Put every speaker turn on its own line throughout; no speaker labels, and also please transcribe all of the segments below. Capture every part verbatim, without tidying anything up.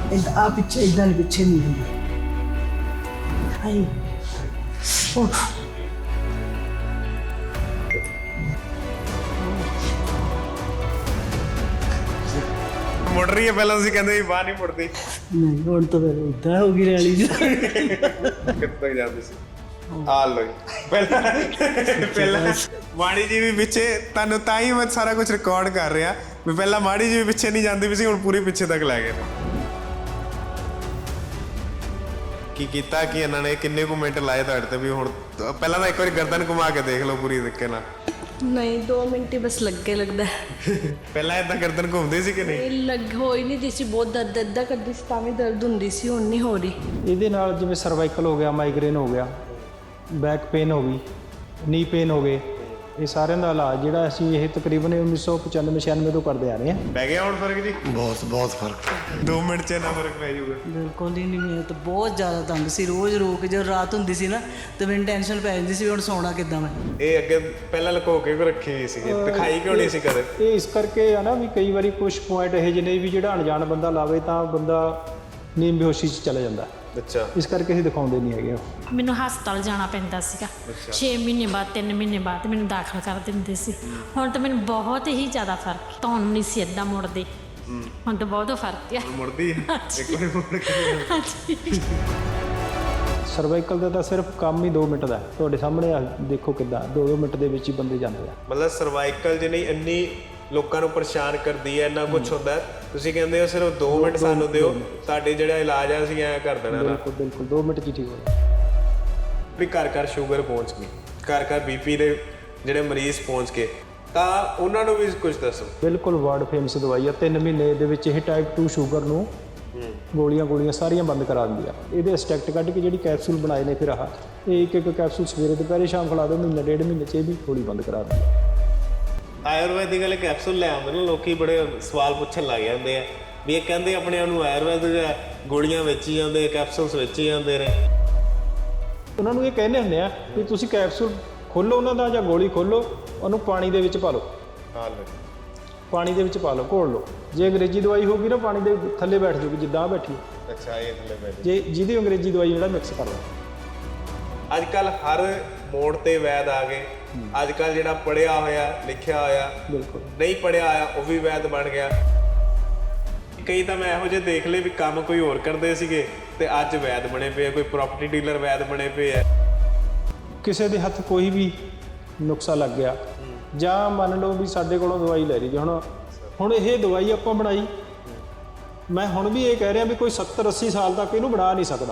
ਆ ਪਿੱਛੇ ਇਦਾਂ ਨਹੀਂ ਪਿੱਛੇ ਨਹੀਂ ਹੁੰਦੀ ਹਾਈ ਉਹ
ਮੁੜ ਰਹੀ ਹੈ ਪਹਿਲਾਂ ਤੁਸੀਂ ਕਹਿੰਦੇ ਬਾਹਰ ਨਹੀਂ ਮੁੜਦੀ
ਨਹੀਂ ਹੁਣ ਤਾਂ ਫਿਰ ਇਦਾਂ ਹੋ ਗਈ ਰੈਲੀ ਜੀ
ਕਿੱਥੇ ਜਾਂਦੇ ਸੀ ਆ ਲੋ ਪਹਿਲਾਂ ਪਹਿਲਾਂ ਮਾੜੀ ਜੀ ਵੀ ਪਿੱਛੇ ਤੁਹਾਨੂੰ ਤਾਂ ਹੀ ਮੈਂ ਸਾਰਾ ਕੁਝ ਰਿਕਾਰਡ ਕਰ ਰਿਹਾ ਵੀ ਪਹਿਲਾਂ ਮਾੜੀ ਜੀ ਵੀ ਪਿੱਛੇ ਨਹੀਂ ਜਾਂਦੀ ਵੀ ਸੀ ਹੁਣ ਪੂਰੀ ਪਿੱਛੇ ਤੱਕ ਲੈ ਗਏ ਕੀ ਕੀਤਾ ਕਿ ਇਹਨਾਂ ਨੇ ਕਿੰਨੇ ਕੁ ਮਿੰਟ ਲਾਏ ਤੁਹਾਡੇ ਤੇ ਵੀ ਹੁਣ ਪਹਿਲਾਂ ਤਾਂ ਇੱਕ ਵਾਰੀ ਗਰਦਨ ਘੁਮਾ ਕੇ ਦੇਖ ਲਓ ਪੂਰੀ ਤਰੀਕੇ ਨਾਲ
नहीं दो मिनट ही बस लग के लगता है
ਪਹਿਲਾਂ ਇਦਾਂ ਗਰਦਨ ਘੁੰਮਦੀ ਸੀ ਕਿ ਨਹੀਂ
लग हो ही नहीं दी सी बहुत दर्द इदा करती सी तां भी दर्द हुंदी सी हुण नहीं हो रही
ਇਹਦੇ ਨਾਲ ਜਿਵੇਂ ਸਰਵਾਈਕਲ ਹੋ ਗਿਆ ਮਾਈਗ੍ਰੇਨ ਹੋ ਗਿਆ ਬੈਕ ਪੇਨ ਹੋ ਗਈ ਨੀ ਪੇਨ ਹੋ ਗਏ ਇਹ ਸਾਰਿਆਂ ਦਾ ਇਲਾਜ ਜਿਹੜਾ ਅਸੀਂ ਇਹ ਤਕਰੀਬਨ ਉੱਨੀ ਸੌ ਪਚਾਨਵੇਂ ਛਿਆਨਵੇਂ ਤੋਂ ਕਰਦੇ ਆ ਰਹੇ ਹਾਂ
ਪੈ ਗਿਆ ਹੁਣ ਫਰਕ ਜੀ
ਬਹੁਤ ਬਹੁਤ ਫਰਕ
ਦੋ ਮਿੰਟ 'ਚ ਇੰਨਾ ਫਰਕ ਪੈ ਜਾਊਗਾ
ਬਿਲਕੁਲ ਹੀ ਨਹੀਂ ਮੈਂ ਤਾਂ ਬਹੁਤ ਜ਼ਿਆਦਾ ਤੰਗ ਸੀ ਰੋਜ਼ ਰੋ ਕੇ ਜਦੋਂ ਰਾਤ ਹੁੰਦੀ ਸੀ ਨਾ ਤੇ ਮੈਨੂੰ ਟੈਨਸ਼ਨ ਪੈ ਜਾਂਦੀ ਸੀ ਵੀ ਹੁਣ ਸੌਣਾ ਕਿੱਦਾਂ ਮੈਂ
ਇਹ ਅੱਗੇ ਪਹਿਲਾਂ ਲੁਕੋ ਕੇ ਰੱਖੀ ਹੋਈ ਸੀ ਦਿਖਾਈ ਕਿਉਂ ਨਹੀਂ ਸੀ ਕਦੇ
ਇਹ ਇਸ ਕਰਕੇ ਆ ਨਾ ਵੀ ਕਈ ਵਾਰੀ ਕੁਝ ਪੁਆਇੰਟ ਇਹੋ ਜਿਹੇ ਨੇ ਵੀ ਜਿਹੜਾ ਅਣਜਾਣ ਬੰਦਾ ਲਾਵੇ ਤਾਂ ਬੰਦਾ ਨੀਂਦ ਬੇਹੋਸ਼ੀ 'ਚ ਚਲਾ ਜਾਂਦਾ
ਅੱਛਾ
ਇਸ ਕਰਕੇ ਅਸੀਂ ਦਿਖਾਉਂਦੇ ਨਹੀਂ ਹੈਗੇ
ਮੈਨੂੰ ਹਸਪਤਾਲ ਜਾਣਾ ਪੈਂਦਾ ਸੀਗਾ ਛੇ ਮਹੀਨੇ ਬਾਅਦ ਤਿੰਨ ਮਹੀਨੇ ਬਾਅਦ ਮੈਨੂੰ ਦਾਖਲ ਕਰ ਦਿੰਦੇ ਸੀ ਹੁਣ ਤਾਂ ਮੈਨੂੰ ਬਹੁਤ ਹੀ ਜ਼ਿਆਦਾ ਫਰਕ ਧੌਣ ਨਹੀਂ ਸੀ ਏਦਾਂ ਮੁੜਦੇ ਹੁਣ ਤਾਂ ਬਹੁਤ ਫਰਕ ਆ
ਮੁੜਦੀ ਇੱਕ ਵਾਰੀ ਮੁੜ ਕੇ
ਸਰਵਾਈਕਲ ਦਾ ਤਾਂ ਸਿਰਫ ਕੰਮ ਹੀ ਦੋ ਮਿੰਟ ਦਾ ਤੁਹਾਡੇ ਸਾਹਮਣੇ ਆ ਦੇਖੋ ਕਿੱਦਾਂ ਦੋ ਦੋ ਮਿੰਟ ਦੇ ਵਿੱਚ ਹੀ ਬੰਦੇ ਜਾਂਦੇ ਆ
ਮਤਲਬ ਸਰਵਾਈਕਲ ਜਿਹਨੇ ਇੰਨੀ ਲੋਕਾਂ ਨੂੰ ਪਰੇਸ਼ਾਨ ਕਰਦੀ ਹੈ ਇੰਨਾ ਕੁਝ ਹੁੰਦਾ ਤੁਸੀਂ ਕਹਿੰਦੇ ਹੋ ਸਿਰਫ ਦੋ ਮਿੰਟ ਸਾਨੂੰ ਦਿਓ ਤੁਹਾਡੇ ਜਿਹੜਾ ਇਲਾਜ ਆ ਅਸੀਂ ਐਂ ਕਰ ਦੇਣਾ
ਬਿਲਕੁਲ ਬਿਲਕੁਲ ਦੋ ਮਿੰਟ 'ਚ ਹੀ ਠੀਕ ਹੋ ਜਾਂਦਾ
ਵੀ ਘਰ ਘਰ ਸ਼ੂਗਰ ਪਹੁੰਚ ਗਈ ਘਰ ਘਰ ਬੀਪੀ ਦੇ ਜਿਹੜੇ ਮਰੀਜ਼ ਪਹੁੰਚ ਗਏ ਤਾਂ ਉਹਨਾਂ ਨੂੰ ਵੀ ਕੁਝ ਦੱਸੋ ਬਿਲਕੁਲ
ਵਰਲਡ ਫੇਮਸ ਦਵਾਈ ਆ ਤਿੰਨ ਮਹੀਨੇ ਦੇ ਵਿੱਚ ਇਹ ਟਾਈਪ ਟੂ ਸ਼ੂਗਰ ਨੂੰ ਗੋਲੀਆਂ ਗੋਲੀਆਂ ਸਾਰੀਆਂ ਬੰਦ ਕਰਾ ਦਿੰਦੀ ਆ ਇਹਦੇ ਐਕਸਟ੍ਰੈਕਟ ਕੱਢ ਕੇ ਜਿਹੜੀ ਕੈਪਸੂਲ ਬਣਾਏ ਨੇ ਫਿਰ ਆਹ ਇਹ ਇੱਕ ਇੱਕ ਕੈਪਸੂਲ ਸਵੇਰੇ ਦੁਪਹਿਰੇ ਸ਼ਾਮ ਖਿਲਾ ਦਿਓ ਮਹੀਨਾ ਡੇਢ ਮਹੀਨੇ 'ਚ ਇਹ ਵੀ ਗੋਲੀ ਬੰਦ ਕਰਾ ਦਿੰਦੀ ਆ
ਆਯੁਰਵੈਦਿਕ ਵਾਲੇ ਕੈਪਸੂਲ ਲੈ ਆਉਂਦੇ ਨੇ ਲੋਕੀ ਬੜੇ ਸਵਾਲ ਪੁੱਛਣ ਲੱਗ ਜਾਂਦੇ ਆ ਵੀ ਇਹ ਕਹਿੰਦੇ ਆਪਣੇ ਆਪ ਨੂੰ ਆਯੁਰਵੈਦਿਕ ਗੋਲੀਆਂ ਵੇਚੀ ਜਾਂਦੇ ਕੈਪਸੂਲਸ ਵੇਚੀ ਜਾਂਦੇ ਨੇ
ਉਹਨਾਂ ਨੂੰ ਇਹ ਕਹਿੰਦੇ ਹੁੰਦੇ ਆ ਵੀ ਤੁਸੀਂ ਕੈਪਸੂਲ ਖੋਲੋ ਉਹਨਾਂ ਦਾ ਜਾਂ ਗੋਲੀ ਖੋਲੋ ਉਹਨੂੰ ਪਾਣੀ ਦੇ ਵਿੱਚ ਪਾ ਲਓ
ਹਾਂ ਲੈ
ਪਾਣੀ ਦੇ ਵਿੱਚ ਪਾ ਲਓ ਘੋਲ ਲਓ ਜੇ ਅੰਗਰੇਜ਼ੀ ਦਵਾਈ ਹੋਊਗੀ ਨਾ ਪਾਣੀ ਦੇ ਥੱਲੇ ਬੈਠ ਜਾਊਗੀ ਜਿੱਦਾਂ ਆ ਬੈਠੀ
ਅੱਛਾ ਇਹ ਥੱਲੇ ਬੈਠ
ਜੇ ਜਿਹਦੀ ਅੰਗਰੇਜ਼ੀ ਦਵਾਈ ਜਿਹੜਾ ਮਿਕਸ ਕਰ ਲਓ
ਅੱਜ ਕੱਲ ਹਰ ਮੋੜ ਤੇ ਵੈਦ ਆ ਗਏ ਅੱਜ ਕੱਲ ਜਿਹੜਾ ਪੜਿਆ ਹੋਇਆ ਲਿਖਿਆ ਹੋਇਆ
ਬਿਲਕੁਲ
ਨਹੀਂ ਪੜਿਆ ਹੋਇਆ ਉਹ ਵੀ ਵੈਦ ਬਣ ਗਿਆ ਕਈ ਤਾਂ ਮੈਂ ਇਹੋ ਜਿਹੇ ਦੇਖ ਲਏ ਵੀ ਕੰਮ ਕੋਈ ਹੋਰ ਕਰਦੇ ਸੀਗੇ ਤੇ ਅੱਜ ਵੈਦ ਬਣੇ ਪਏ ਆ ਕੋਈ ਪ੍ਰਾਪਰਟੀ ਡੀਲਰ ਵੈਦ ਬਣੇ ਪਏ ਆ
ਕਿਸੇ ਦੇ ਹੱਥ ਕੋਈ ਵੀ ਨੁਕਸਾ ਲੱਗ ਗਿਆ ਜਾਂ ਮੰਨ ਲਓ ਵੀ ਸਾਡੇ ਕੋਲੋਂ ਦਵਾਈ ਲੈ ਲਈ ਹੁਣ ਹੁਣ ਇਹ ਦਵਾਈ ਆਪਾਂ ਬਣਾਈ ਮੈਂ ਹੁਣ ਵੀ ਇਹ ਕਹਿ ਰਿਹਾ ਵੀ ਕੋਈ ਸੱਤਰ ਅੱਸੀ ਸਾਲ ਤੱਕ ਇਹਨੂੰ ਬਣਾ ਨਹੀਂ ਸਕਦਾ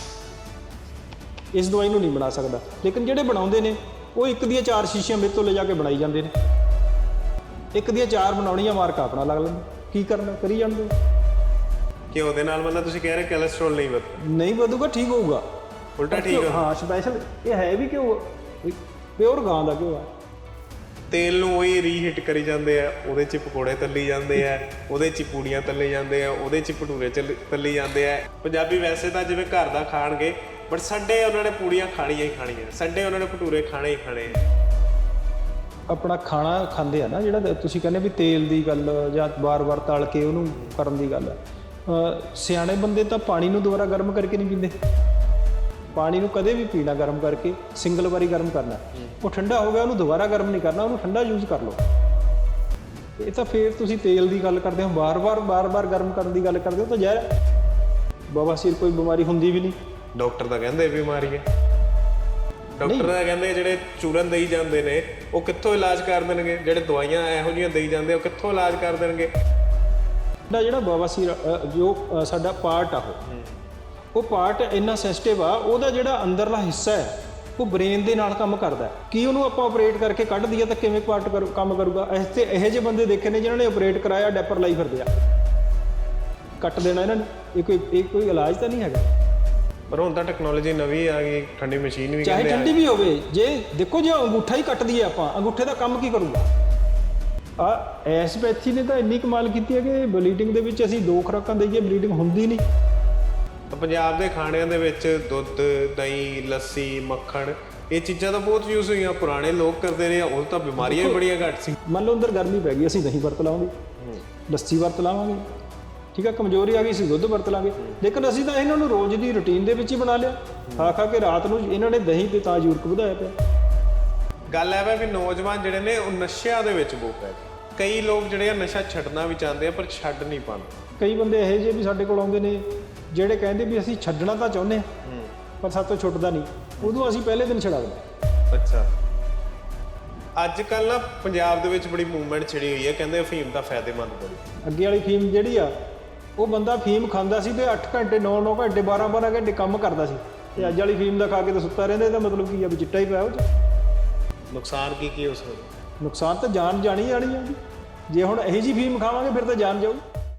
ਇਸ ਦਵਾਈ ਨੂੰ ਨਹੀਂ ਬਣਾ ਸਕਦਾ ਲੇਕਿਨ ਜਿਹੜੇ ਬਣਾਉਂਦੇ ਨੇ ਉਹ ਇੱਕ ਦੀਆਂ ਚਾਰ ਸ਼ੀਸ਼ੀਆਂ ਮੇਰੇ ਤੋਂ ਲੈ ਜਾ ਕੇ ਬਣਾਈ ਜਾਂਦੇ ਨੇ ਇੱਕ ਦੀਆਂ ਚਾਰ ਬਣਾਉਣੀਆਂ ਮਾਰਕਾ ਆਪਣਾ ਲੱਗ ਲੈਂਦਾ ਕੀ ਕਰਨਾ ਕਰੀ ਜਾਂਦੇ
ਕਿ ਉਹਦੇ ਨਾਲ ਮਤਲਬ ਤੁਸੀਂ ਕਹਿ ਰਹੇ ਕੋਲੇਸਟ੍ਰੋਲ ਨਹੀਂ ਵਧਦਾ
ਨਹੀਂ ਵਧੂਗਾ ਠੀਕ ਹੋਊਗਾ
ਉਲਟਾ ਠੀਕ
ਹਾਂ ਸਪੈਸ਼ਲ ਇਹ ਹੈ ਵੀ ਕਿਉਂ ਪਿਓਰ ਗਾਂ ਦਾ ਕਿਉਂ ਆ
ਤੇਲ ਨੂੰ ਉਹੀ ਰੀਹੀਟ ਕਰੀ ਜਾਂਦੇ ਆ ਉਹਦੇ 'ਚ ਪਕੌੜੇ ਤੱਲੀ ਜਾਂਦੇ ਆ ਉਹਦੇ 'ਚ ਪੂੜੀਆਂ ਤੱਲੇ ਜਾਂਦੇ ਆ ਉਹਦੇ 'ਚ ਭਟੂਰੇ ਚੱਲ ਤੱਲੀ ਜਾਂਦੇ ਆ ਪੰਜਾਬੀ ਵੈਸੇ ਤਾਂ ਜਿਵੇਂ ਘਰ ਦਾ ਖਾਣਗੇ ਬਟ ਸੰਡੇ ਉਹਨਾਂ ਨੇ ਪੂੜੀਆਂ ਖਾਣੀਆਂ ਹੀ ਖਾਣੀਆਂ ਸੰਡੇ ਉਹਨਾਂ ਨੇ ਭਟੂਰੇ ਖਾਣੇ ਹੀ ਖਾਣੇ
ਆਪਣਾ ਖਾਣਾ ਖਾਂਦੇ ਆ ਨਾ ਜਿਹੜਾ ਤੁਸੀਂ ਕਹਿੰਦੇ ਵੀ ਤੇਲ ਦੀ ਗੱਲ ਜਾਂ ਵਾਰ-ਵਾਰ ਤਲ ਕੇ ਉਹਨੂੰ ਕਰਨ ਦੀ ਗੱਲ ਸਿਆਣੇ ਬੰਦੇ ਤਾਂ ਪਾਣੀ ਨੂੰ ਦੁਬਾਰਾ ਗਰਮ ਕਰਕੇ ਨਹੀਂ ਪੀਂਦੇ ਪਾਣੀ ਨੂੰ ਕਦੇ ਵੀ ਪੀਣਾ ਗਰਮ ਕਰਕੇ ਸਿੰਗਲ ਵਾਰੀ ਗਰਮ ਕਰਨਾ ਉਹ ਠੰਡਾ ਹੋ ਗਿਆ ਉਹਨੂੰ ਦੁਬਾਰਾ ਗਰਮ ਨਹੀਂ ਕਰਨਾ ਉਹਨੂੰ ਠੰਡਾ ਯੂਜ਼ ਕਰ ਲਓ ਇਹ ਤਾਂ ਫੇਰ ਤੁਸੀਂ ਤੇਲ ਦੀ ਗੱਲ ਕਰਦੇ ਹੋ ਵਾਰ-ਵਾਰ ਵਾਰ-ਵਾਰ ਗਰਮ ਕਰਨ ਦੀ ਗੱਲ ਕਰਦੇ ਹੋ ਤਾਂ ਜ਼ਹਿਰ ਬਵਾਸੀਰ ਕੋਈ ਬਿਮਾਰੀ ਹੁੰਦੀ ਵੀ ਨਹੀਂ
ਡਾਕਟਰ ਤਾਂ ਕਹਿੰਦੇ ਬਿਮਾਰੀ ਹੈ ਡਾਕਟਰ ਤਾਂ ਕਹਿੰਦੇ ਜਿਹੜੇ ਚੂਰਨ ਦੇਈ ਜਾਂਦੇ ਨੇ ਉਹ ਕਿੱਥੋਂ ਇਲਾਜ ਕਰ ਦੇਣਗੇ ਜਿਹੜੇ ਦਵਾਈਆਂ ਇਹੋ ਜਿਹੀਆਂ ਦੇਈ ਜਾਂਦੇ ਉਹ ਕਿੱਥੋਂ ਇਲਾਜ ਕਰ ਦੇਣਗੇ
ਜਿਹੜਾ ਬਵਾਸੀਰ ਜੋ ਸਾਡਾ ਪਾਰਟ ਆ ਉਹ ਉਹ ਪਾਰਟ ਇੰਨਾ ਸੈਂਸਿਟਿਵ ਆ ਉਹਦਾ ਜਿਹੜਾ ਅੰਦਰਲਾ ਹਿੱਸਾ ਹੈ ਉਹ ਬ੍ਰੇਨ ਦੇ ਨਾਲ ਕੰਮ ਕਰਦਾ ਕੀ ਉਹਨੂੰ ਆਪਾਂ ਆਪਰੇਟ ਕਰਕੇ ਕੱਢ ਦਈਏ ਤਾਂ ਕਿਵੇਂ ਪਾਰਟ ਕਰ ਕੰਮ ਕਰੂਗਾ ਇਸ ਤੇ ਇਹੋ ਜਿਹੇ ਬੰਦੇ ਦੇਖੇ ਨੇ ਜਿਨ੍ਹਾਂ ਨੇ ਆਪਰੇਟ ਕਰਾਇਆ ਡੈਪਰ ਲਾਈ ਫਿਰਦੇ ਆ ਕੱਟ ਦੇਣਾ ਇਹਨਾਂ ਨੇ ਇਹ ਕੋਈ ਇਹ ਕੋਈ ਇਲਾਜ ਤਾਂ ਨਹੀਂ ਹੈਗਾ
ਪਰ ਹੁਣ ਤਾਂ ਟੈਕਨੋਲੋਜੀ ਨਵੀਂ ਆ ਗਈ ਠੰਡੀ ਮਸ਼ੀਨ ਵੀ
ਚਾਹੇ ਠੰਡੀ ਵੀ ਹੋਵੇ ਜੇ ਦੇਖੋ ਜੇ ਅੰਗੂਠਾ ਹੀ ਕੱਟ ਦਈਏ ਆਪਾਂ ਅੰਗੂਠੇ ਦਾ ਕੰਮ ਕੀ ਕਰੂਗਾ ਆ ਐਸਪੈਥੀ ਨੇ ਤਾਂ ਇੰਨੀ ਕਮਾਲ ਕੀਤੀ ਹੈ ਕਿ ਬਲੀਡਿੰਗ ਦੇ ਵਿੱਚ ਅਸੀਂ ਦੋ ਖੁਰਾਕਾਂ ਦੇਈਏ ਬਲੀਡਿੰਗ ਹੁੰਦੀ ਨਹੀਂ
ਪੰਜਾਬ ਦੇ ਖਾਣਿਆਂ ਦੇ ਵਿੱਚ ਦੁੱਧ ਦਹੀਂ ਲੱਸੀ ਮੱਖਣ ਇਹ ਚੀਜ਼ਾਂ ਤਾਂ ਬਹੁਤ ਯੂਜ਼ ਹੋਈਆਂ ਪੁਰਾਣੇ ਲੋਕ ਕਰਦੇ ਰਹੇ ਉਹ ਤਾਂ ਬਿਮਾਰੀਆਂ ਵੀ ਬੜੀਆਂ ਘੱਟ ਸੀ
ਮੰਨ ਲਓ ਅੰਦਰ ਗਰਮੀ ਪੈ ਗਈ ਅਸੀਂ ਦਹੀਂ ਵਰਤ ਲਾਵਾਂਗੇ ਲੱਸੀ ਵਰਤ ਲਾਵਾਂਗੇ ਠੀਕ ਆ, ਕਮਜ਼ੋਰੀ ਆ ਗਈ ਸੀ ਦੁੱਧ ਵਰਤ ਲਾਂਗੇ, ਲੇਕਿਨ ਅਸੀਂ ਤਾਂ ਇਹਨਾਂ ਨੂੰ ਰੋਜ਼ ਦੀ ਰੁਟੀਨ ਦੇ ਵਿੱਚ ਹੀ ਬਣਾ ਲਿਆ। ਖਾ ਖਾ ਕੇ ਰਾਤ ਨੂੰ ਇਹਨਾਂ ਨੇ ਦਹੀਂ ਤੇ ਤਾਂ ਯੂਰਕ ਵਧਾਇਆ ਪਿਆ।
ਗੱਲ ਇਹ ਵਾ ਵੀ ਨੌਜਵਾਨ ਜਿਹੜੇ ਨੇ ਉਹ ਨਸ਼ਿਆਂ ਦੇ ਵਿੱਚ ਬਹੁਤ ਪੈ ਗਏ। ਕਈ ਲੋਕ ਜਿਹੜੇ ਆ ਨਸ਼ਾ ਛੱਡਣਾ ਵੀ ਚਾਹੁੰਦੇ ਆ ਪਰ ਛੱਡ ਨਹੀਂ ਪਾਉਂਦੇ।
ਕਈ ਬੰਦੇ ਇਹੋ ਜਿਹੇ ਵੀ ਸਾਡੇ ਕੋਲ ਆਉਂਦੇ ਨੇ ਜਿਹੜੇ ਕਹਿੰਦੇ ਵੀ ਅਸੀਂ ਛੱਡਣਾ ਤਾਂ ਚਾਹੁੰਦੇ ਹਾਂ ਪਰ ਸਾਡੇ ਤੋਂ ਛੁੱਟਦਾ ਨਹੀਂ, ਉਦੋਂ ਅਸੀਂ ਪਹਿਲੇ ਦਿਨ ਛਡਾ ਦਿੰਦੇ।
ਅੱਛਾ, ਅੱਜ ਕੱਲ ਨਾ ਪੰਜਾਬ ਦੇ ਵਿੱਚ ਬੜੀ ਮੂਵਮੈਂਟ ਛਿੜੀ ਹੋਈ ਹੈ, ਕਹਿੰਦੇ ਅਫੀਮ ਦਾ ਫਾਇਦੇਮੰਦ ਬੜੀ।
ਅੱਗੇ ਵਾਲੀ ਫੀਮ ਜਿਹੜੀ ਆ ਉਹ ਬੰਦਾ ਫੀਮ ਖਾਂਦਾ ਸੀ ਤੇ ਅੱਠ ਘੰਟੇ ਨੌ ਨੌ ਘੰਟੇ ਬਾਰਾਂ ਬਾਰਾਂ ਘੰਟੇ ਕੰਮ ਕਰਦਾ ਸੀ, ਤੇ ਅੱਜ ਵਾਲੀ ਫੀਮ ਦਾ ਖਾ ਕੇ ਤਾਂ ਸੁੱਤਾ ਰਹਿੰਦਾ। ਇਹਦਾ ਮਤਲਬ ਕੀ ਆ ਵੀ ਚਿੱਟਾ ਹੀ ਪਿਆ ਉਹ 'ਚ।
ਨੁਕਸਾਨ ਕੀ ਕੀ ਹੋ ਸਕਦਾ?
ਨੁਕਸਾਨ ਤਾਂ ਜਾਨ ਜਾਣੀ ਜਾਣੀ ਆ ਜੀ। ਜੇ ਹੁਣ ਇਹੀ ਜੀ ਫੀਮ ਖਾਵਾਂਗੇ ਫਿਰ ਤਾਂ ਜਾਨ ਜਾਊ।